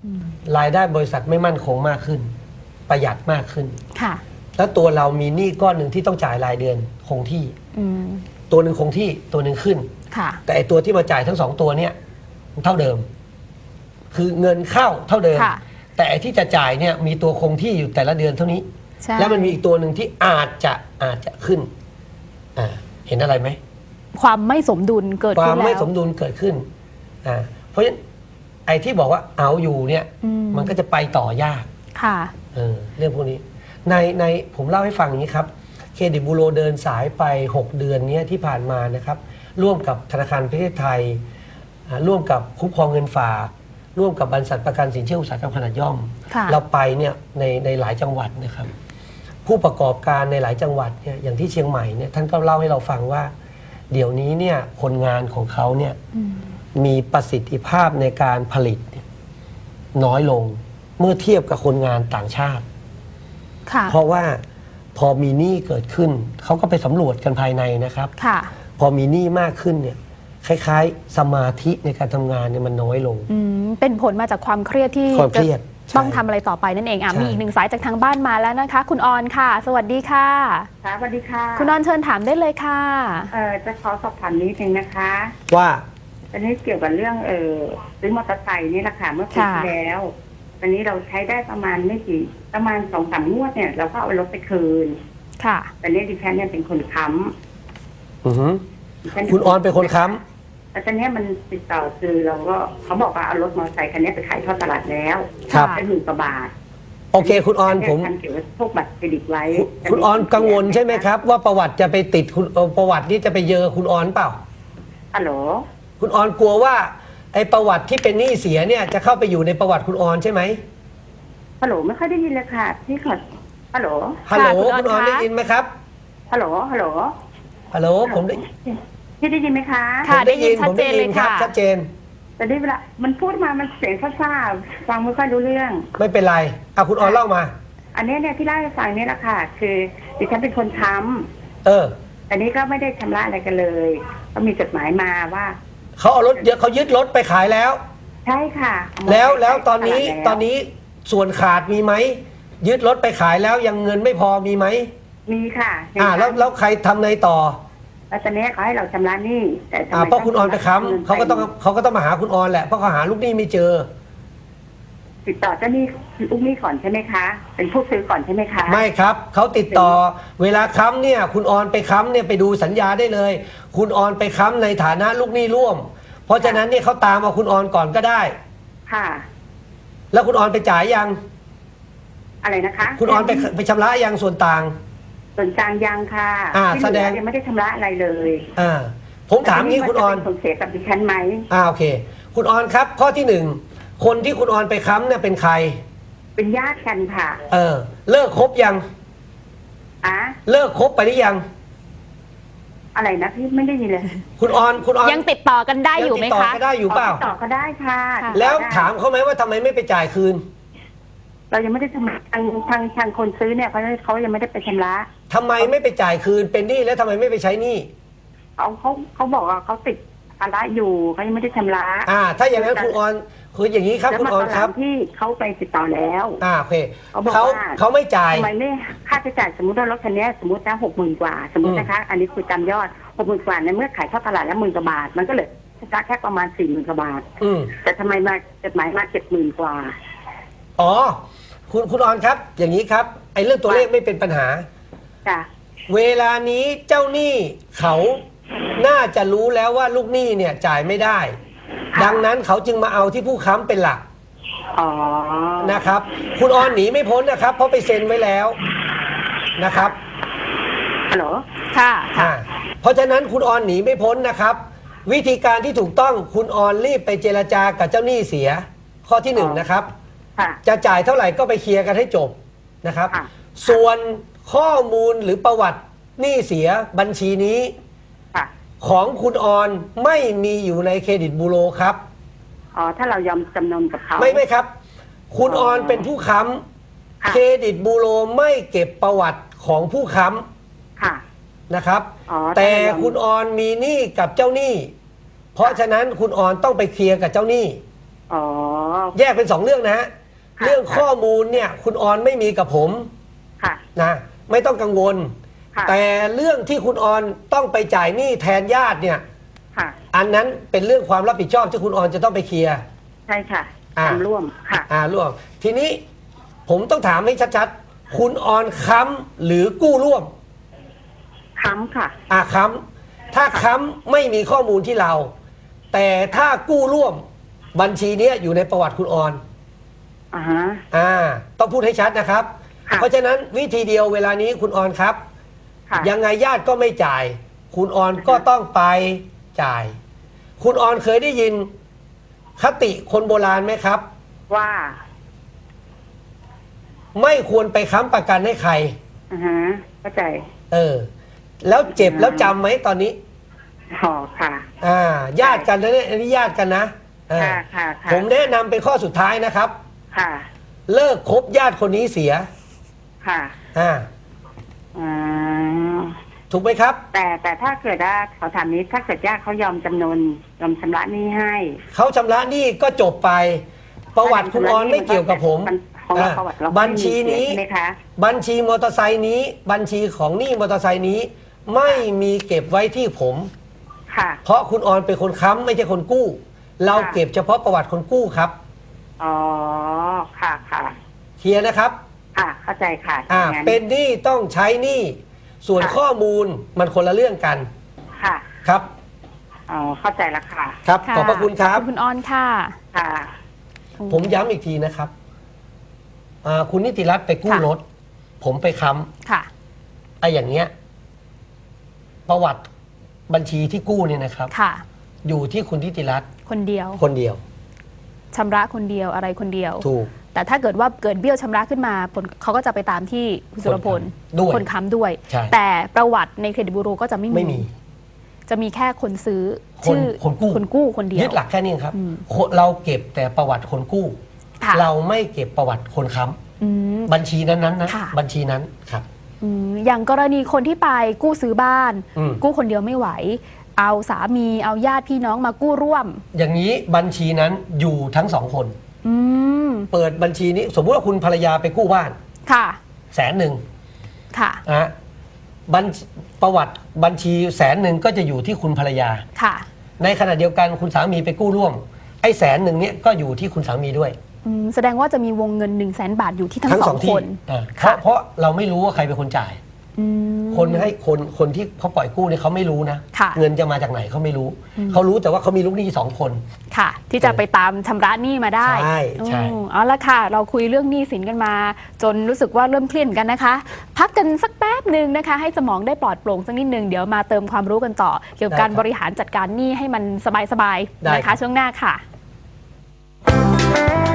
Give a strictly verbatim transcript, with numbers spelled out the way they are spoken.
รายได้บริษัทไม่มั่นคงมากขึ้นประหยัดมากขึ้นค่ะแล้วตัวเรามีหนี้ก้อนหนึ่งที่ต้องจ่ายรายเดือนคงที่ตัวหนึ่งคงที่ตัวหนึ่งขึ้นค่ะแต่ไอตัวที่มาจ่ายทั้งสองตัวเนี้ยเท่าเดิมคือเงินเข้าเท่าเดิมแต่ไอที่จะจ่ายเนี่ยมีตัวคงที่อยู่แต่ละเดือนเท่านี้แล้วมันมีอีกตัวหนึ่งที่อาจจะอาจจะขึ้นอ่าเห็นอะไรไหมความไม่สมดุลเกิดขึ้นแล้วความไม่สมดุลเกิดขึ้นอ่าเพราะฉะนั้นไอ้ที่บอกว่าเอาอยู่เนี่ยมันก็จะไปต่อยากค่ะเออเรื่องพวกนี้ในในผมเล่าให้ฟังอย่างนี้ครับเครดิตบูโรเดินสายไปหกเดือนนี้ที่ผ่านมานะครับร่วมกับธนาคารประเทศไทยร่วมกับคุ้มครองเงินฝากร่วมกับบริษัทประกันสินเชื่ออุตสาหกรรมขนาดย่อมเราไปเนี่ยในในหลายจังหวัดนะครับผู้ประกอบการในหลายจังหวัดเนี่ยอย่างที่เชียงใหม่เนี่ยท่านก็เล่าให้เราฟังว่าเดี๋ยวนี้เนี่ยคนงานของเขาเนี่ยมีประสิทธิภาพในการผลิตน้อยลงเมื่อเทียบกับคนงานต่างชาติเพราะว่าพอมีหนี้เกิดขึ้นเขาก็ไปสำรวจกันภายในนะครับพอมีหนี้มากขึ้นเนี่ยคล้ายๆสมาธิในการทำงานเนี่ยมันน้อยลงเป็นผลมาจากความเครียดที่ความเครียดต้องทำอะไรต่อไปนั่นเองอ่ะมีอีกหนึ่งสายจากทางบ้านมาแล้วนะคะคุณออนค่ะสวัสดีค่ะค่ะสวัสดีค่ะคุณออนเชิญถามได้เลยค่ะเออจะขอสอบถามนิดนึงนะคะว่าอันนี้เกี่ยวกับเรื่องเออซื้อมอเตอร์ไซค์นี่แหละค่ะเมื่อปีที่แล้วตอนนี้เราใช้ได้ประมาณไม่กี่ประมาณสองสามงวดเนี่ยเราก็เอารถไปคืนค่ะแต่นี้ดิฉันเนี่ยเป็นคนค้ำอือฮึคุณออนเป็นคนค้ำแต่ตอนนี้มันติดต่อคือเราก็เขาบอกว่าเอารถมอเตอร์ไซค์คันนี้ไปขายทอดตลาดแล้วได้หมื่นกว่าบาทโอเคคุณออนผมทำเกี่ยวกับพวกบัตรเครดิตไว้คุณออนกังวลใช่ไหมครับว่าประวัติจะไปติดคุณประวัตินี้จะไปเยอคุณออนเปล่าฮัลโหลคุณออนกลัวว่าไอ้ประวัติที่เป็นหนี้เสียเนี่ยจะเข้าไปอยู่ในประวัติคุณออนใช่ไหมฮัลโหลไม่ค่อยได้ยินเลยค่ะพี่ขอฮัลโหลฮัลโหลคุณออนได้ยินไหมครับฮัลโหลฮัลโหลฮัลโหลผมได้พี่ได้ยินไหมคะค่ะได้ยินชัดเจนเลยค่ะชัดเจนแต่ได้เวลามันพูดมามันเสียงซ่าๆฟังไม่ค่อยรู้เรื่องไม่เป็นไรอ่ะคุณออนเล่ามาอันนี้เนี่ยที่เล่าให้ฟังนี่แหละค่ะคือดิฉันเป็นคนค้ำเอออันนี้ก็ไม่ได้ชำระอะไรกันเลยก็มีจดหมายมาว่าเขาเอารถเยอะเขายึดรถไปขายแล้วใช่ค่ะแล้วแล้วตอนนี้ตอนนี้ส่วนขาดมีไหมยึดรถไปขายแล้วยังเงินไม่พอมีไหมมีค่ะอ่าแล้วแล้วใครทำไงต่อแล้วตอนนี้เขาให้เราชำระหนี้แต่อ่าเพราะคุณออนไปค้ำเขาก็ต้องเขาก็ต้องมาหาคุณออนแหละเพราะเขาหาลูกหนี้ไม่เจอติดต่อเจ้าหนี้ลูกหนี้ก่อนใช่ไหมคะเป็นผู้ซื้อก่อนใช่ไหมคะไม่ครับเขาติดต่อเวลาค้ำเนี่ยคุณออนไปค้ำเนี่ยไปดูสัญญาได้เลยคุณออนไปค้ำในฐานะลูกหนี้ร่วมเพราะฉะนั้นเนี่ยเขาตามเอาคุณออนก่อนก็ได้ค่ะแล้วคุณออนไปจ่ายยังอะไรนะคะคุณออนไปไปชำระยังส่วนต่างส่วนกลางยังค่ะอ่าแสดงยังไม่ได้ชำระอะไรเลยอ่าผมถามงี้คุณออนผลเสียกับดิฉันไหมอ่าโอเคคุณออนครับข้อที่หนึ่งคนที่คุณออนไปค้ำเนี่ยเป็นใครเป็นญาติกันค่ะเออเลิกคบยังอ่ะเลิกคบไปหรือยังอะไรนะพี่ไม่ได้ยินเลยคุณออนคุณออนยังติดต่อกันได้อยู่ไหมคะติดต่อกันได้อยู่เปล่าติดต่อก็ได้ค่ะแล้วถามเขาไหมว่าทำไมไม่ไปจ่ายคืนเรายังไม่ได้ทำทางทางทางคนซื้อเนี่ยเขาเขายังไม่ได้ไปชำระทำไมไม่ไปจ่ายคืนเป็นหนี้แล้วทำไมไม่ไปใช้หนี้เขาเขาเขาบอกว่าเขาติดภาระอยู่เขายังไม่ได้ชำระอ่าถ้าอย่างนั้นคุณออนคืออย่างนี้ครับคุณออนครับที่เขาไปติดต่อแล้วอ่าโอเคเขาเขาไม่จ่ายทำไมไม่ค่าใช้จ่ายสมมติว่ารถคันนี้สมมตินะหกหมื่นกว่าสมมตินะคะอันนี้คือจำยอดหกหมื่นกว่าในเมื่อขายทอดตลาดแล้วหมื่นกว่าบาทมันก็เลยชำระแค่ประมาณสี่หมื่นกว่าบาทแต่ทำไมมาจดหมายมาเจ็ดหมื่นกว่าอ๋อคุณคุณออนครับอย่างนี้ครับไอ้เรื่องตัวเลขไม่เป็นปัญหาจ้ะเวลานี้เจ้าหนี้เขาน่าจะรู้แล้วว่าลูกหนี้เนี่ยจ่ายไม่ได้ดังนั้นเขาจึงมาเอาที่ผู้ค้ำเป็นหลักอ๋อนะครับคุณออนหนีไม่พ้นนะครับเพราะไปเซ็นไว้แล้วนะครับฮัลโหลค่ะค่ะเพราะฉะนั้นคุณออนหนีไม่พ้นนะครับวิธีการที่ถูกต้องคุณออนรีบไปเจรจากับเจ้าหนี้เสียข้อที่หนึ่งนะครับจะจ่ายเท่าไหร่ก็ไปเคลียร์กันให้จบนะครับส่วนข้อมูลหรือประวัติหนี้เสียบัญชีนี้ของคุณออนไม่มีอยู่ในเครดิตบูโรครับอ๋อถ้าเรายอมจำนนกับเขาไม่ไม่ครับคุณออนเป็นผู้ค้ำเครดิตบูโรไม่เก็บประวัติของผู้ค้ำนะครับแต่คุณออนมีหนี้กับเจ้าหนี้เพราะฉะนั้นคุณออนต้องไปเคลียร์กับเจ้าหนี้อ๋อแยกเป็นสองเรื่องนะฮะค่ะเรื่องข้อมูลเนี่ยคุณออนไม่มีกับผมค่ะนะไม่ต้องกังวลค่ะแต่เรื่องที่คุณออนต้องไปจ่ายหนี้แทนญาติเนี่ยค่ะอันนั้นเป็นเรื่องความรับผิดชอบที่คุณออนจะต้องไปเคลียร์ใช่ค่ะอ่าทำร่วมค่ะอ่าร่วมทีนี้ผมต้องถามให้ชัดๆคุณออนค้ำหรือกู้ร่วมค้ำค่ะอ่าค้ำถ้าค้ำไม่มีข้อมูลที่เรา แต่ถ้ากู้ร่วมบัญชีเนี้ยอยู่ในประวัติคุณออนอ่าฮะอ่าต้องพูดให้ชัดนะครับค่ะเพราะฉะนั้นวิธีเดียวเวลานี้คุณออนครับค่ะยังไงญาติก็ไม่จ่าย คุณออนก็ต้องไปจ่าย คุณออนเคยได้ยินคติคนโบราณไหมครับว่าไม่ควรไปค้ำประกันให้ใครอ่าฮะเข้าใจเออ แล้วเจ็บแล้วจำไหมตอนนี้อ๋อค่ะอ่า ญาติกันนะเนี่ยอันนี้ญาติกันนะเออค่ะค่ะค่ะผมแนะนำเป็นข้อสุดท้ายนะครับค่ะเลิกคบญาติคนนี้เสียค่ะอ่าอ่าถูกไหมครับแต่แต่ถ้าเกิดว่าเขาถามนี้ถ้าเกิดญาติเขายอมจำนนยอมชำระหนี้ให้เขาชำระหนี้ก็จบไป ประวัติคุณออนไม่เกี่ยวกับผมนของเราอ่าประวัติเราบัญชีนี้ใช่ไหมคะบัญชีมอเตอร์ไซค์นี้ บัญชีของหนี้มอเตอร์ไซค์นี้ ไม่มีเก็บไว้ที่ผมค่ะเพราะคุณออนเป็นคนค้ำไม่ใช่คนกู้ เราค่ะเก็บเฉพาะประวัติคนกู้ครับอ๋อค่ะค่ะเคลียร์นะครับค่ะ เข้าใจค่ะอ่างั้นเป็นหนี้ต้องใช้หนี้ส่วนค่ะข้อมูลมันคนละเรื่องกันค่ะครับอ๋อเข้าใจแล้วค่ะครับค่ะขอบพระคุณครับขอบคุณออนค่ะค่ะผมย้ำอีกทีนะครับอ่าคุณนิติรัตน์ไปกู้ค่ะรถ ผมไปค้ค่ะำไอ้อย่างเงี้ย ประวัติบัญชีที่กู้เนี่ยนะครับค่ะอยู่ที่คุณนิติรัตน์คนเดียวคนเดียวชำระคนเดียวอะไรคนเดียวถูกแต่ถ้าเกิดว่าเกิดเบี้ยวชำระขึ้นมาผลเขาก็จะไปตามที่คุณสุรพลด้วยคนค้ำด้วยใช่แต่ประวัติในเครดิตบูโรก็จะไม่ไม่มีจะมีแค่คนซื้อคนชื่อคนกู้คนกู้คนเดียวยึดหลักแค่นี้ครับอืมคนเราเก็บแต่ประวัติคนกู้ค่ะเราไม่เก็บประวัติคนค้อืมำบัญชีนั้นๆนะค่ะบัญชีนั้นครับอืมอย่างกรณีคนที่ไปกู้ซื้อบ้านอืมกู้คนเดียวไม่ไหว เอาสามีเอาญาติพี่น้องมากู้ร่วมอย่างนี้บัญชีนั้นอยู่ทั้งสองคนอืมเปิดบัญชีนี้ สมมุติว่าคุณภรรยาไปกู้บ้านค่ะแสนหนึ่งค่ะนะฮะบัญประวัติบัญชีแสนหนึ่งก็จะอยู่ที่คุณภรรยาค่ะในขณะเดียวกันคุณสามีไปกู้ร่วม ไอ้แสนหนึ่งเนี้ยก็อยู่ที่คุณสามีด้วยอืมแสดงว่าจะมีวงเงิน1นึ่งแสนบาทอยู่ที่ทั้งสองที่คนอ่าเพค่ะราะเพราะเราไม่รู้ว่าใครเป็นคนจ่ายอืมคนให้คนคนที่เขาปล่อยกู้เนี่ยเขาไม่รู้นะค่ะเงินจะมาจากไหนเขาไม่รู้อืมเขารู้แต่ว่าเขามีลูกหนี้สองคนค่ะ ที่จะไปตามชำระหนี้มาได้ใช่ใช่อืมเอาละค่ะ เราคุยเรื่องหนี้สินกันมา จนรู้สึกว่าเริ่มเครียดเหมือนกันนะคะ พักกันสักแป๊บหนึ่งนะคะ ให้สมองได้ปลอดโปร่งสักนิดนึงเดี๋ยวมาเติมความรู้กันต่อ เกี่ยวกับการบริหารจัดการหนี้ให้มันสบายๆนะคะช่วงหน้าค่ะ